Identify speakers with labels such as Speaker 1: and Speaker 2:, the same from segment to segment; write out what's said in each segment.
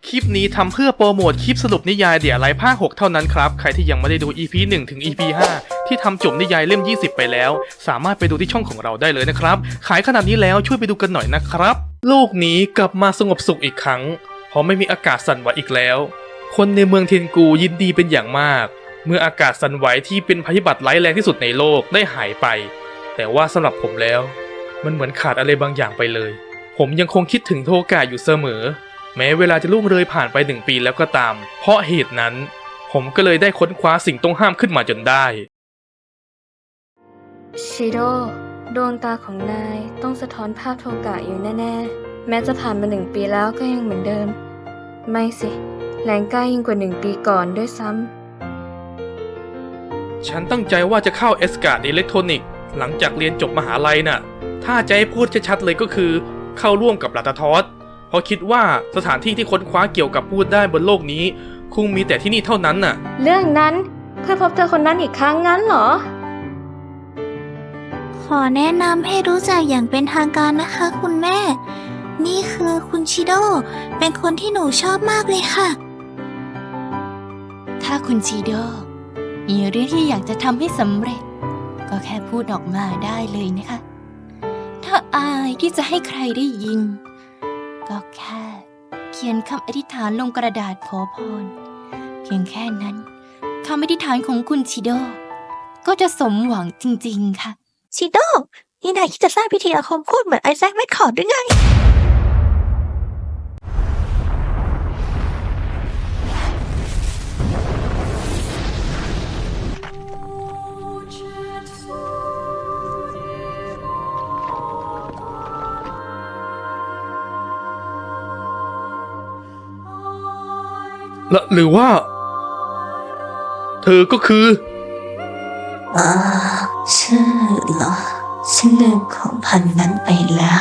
Speaker 1: คลิปนี้ทำเพื่อโปรโมทคลิปสรุปนิยายเดี่ยไรภาค 6 เท่านั้นครับใครที่ยังไม่ได้ดู EP 1 ถึง EP 5 ที่ทำจบนิยายเล่ม 20 ไปแล้วสามารถไปดูที่ช่องของเราได้เลยนะครับขายขนาดนี้แล้วช่วยไปดูกันหน่อยนะครับโลกนี้กลับมาสงบสุขอีกครั้งเพราะไม่มีอากาศสั่นไหวอีกแล้วคนในเมืองเทียนกูยินดีเป็นอย่างมากเมื่ออากาศสั่นไหวที่เป็นภัยพิบัติร้ายแรงที่สุดในโลกได้หายไปแต่ว่าสำหรับผมแล้วมันเหมือนขาดอะไรบางอย่างไปเลยผมยังคงคิดถึงโทกะอยู่เสมอแม้เวลาจะล่วงเลยผ่านไป1 ปีแล้วก็ตามเพราะเหตุนั้นผมก็เลยได้ค้นคว้าสิ่งต้องห้ามขึ้นมาจนได้
Speaker 2: ชิโร่ดวงตาของนายต้องสะท้อนภาพโทกะอยู่แน่ๆแม้จะผ่านมา1 ปีแล้วก็ยังเหมือนเดิมไม่สิแรงกล้ายิ่งกว่า1 ปีก่อนด้วยซ้
Speaker 1: ฉันตั้งใจว่าจะเข้าเอสการ์ดอิเล็กทรอนิกส์หลังจากเรียนจบมหาลัยน่ะถ้าจะให้พูดชัดๆเลยก็คือเข้าร่วมกับลาตาทอสเพราะคิดว่าสถานที่ที่ค้นคว้าเกี่ยวกับพูดได้บนโลกนี้คงมีแต่ที่นี่เท่านั้นน่ะ
Speaker 2: ำเรื่องนั้นเพื่อพบเจอคนนั้นอีกครั้งงั้นเหรอ
Speaker 3: ขอแนะนำให้รู้จักอย่างเป็นทางการนะคะคุณแม่ นี่คือคุณชิโดเป็นคนที่หนูชอบมากเลยค่ะ
Speaker 4: ถ้าคุณชิโดมีเรื่องที่อยากจะทำให้สำเร็จก็แค่พูดออกมาได้เลยนะคะถ้าอายที่จะให้ใครได้ยินก็แค่เขียนคำอธิษฐานลงกระดาษขอพรเพียงแค่นั้นคำอธิษฐานของคุณชิโดก็จะสมหวังจริงๆค่ะ
Speaker 3: ชิโดนี่นายคิดจะสร้างพิธีอาคมพูดเหมือนไอแซคแมคคอร์ดหรือไง
Speaker 1: หรือว่าเธอก็คือ
Speaker 3: ชื่อเหรอฉันลืมของพันนั้นไปแล้ว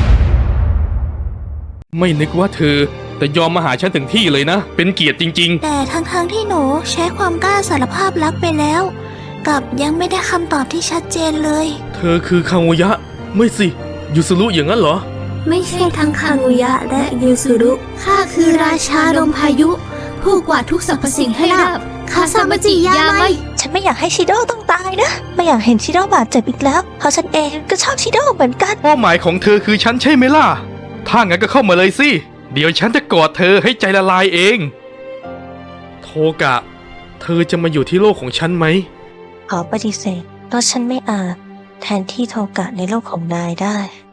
Speaker 1: ไม่นึกว่าเธอแต่ยอมมาหาฉันถึงที่เลยนะเป็นเกียรติจริง
Speaker 3: แต่ทั้งที่หนูใช้ความกล้าสารภาพรักไปแล้วกับยังไม่ได้คำตอบที่ชัดเจนเลย
Speaker 1: เธอคือคาโงยะไม่สิยูสุรุอย่างนั้นเหรอ
Speaker 3: ไม่ใช่ทั้งคาโงยะและยูสุรุข้าคือราชาลมพายุผู้กวาดทุกสรรพสิ่งให้ราบคาซามาจิยาไมฉันไม่อยากให้ชิโดต้องตายนะไม่อยากเห็นชิโดบาดเจ็บอีกแล้วเพราะฉันเองก็ชอบชิโดเหมือนกัน
Speaker 1: เป้าหมายของเธอคือฉันใช่ไหมล่ะถ้างั้นก็เข้ามาเลยสิเดี๋ยวฉันจะกอดเธอให้ใจละลายเองโทกะเธอจะมาอยู่ที่โลกของฉันไหม
Speaker 3: ขอปฏิเสธเพราะฉันไม่อาจแทนที่โทกะในโลกของนายได้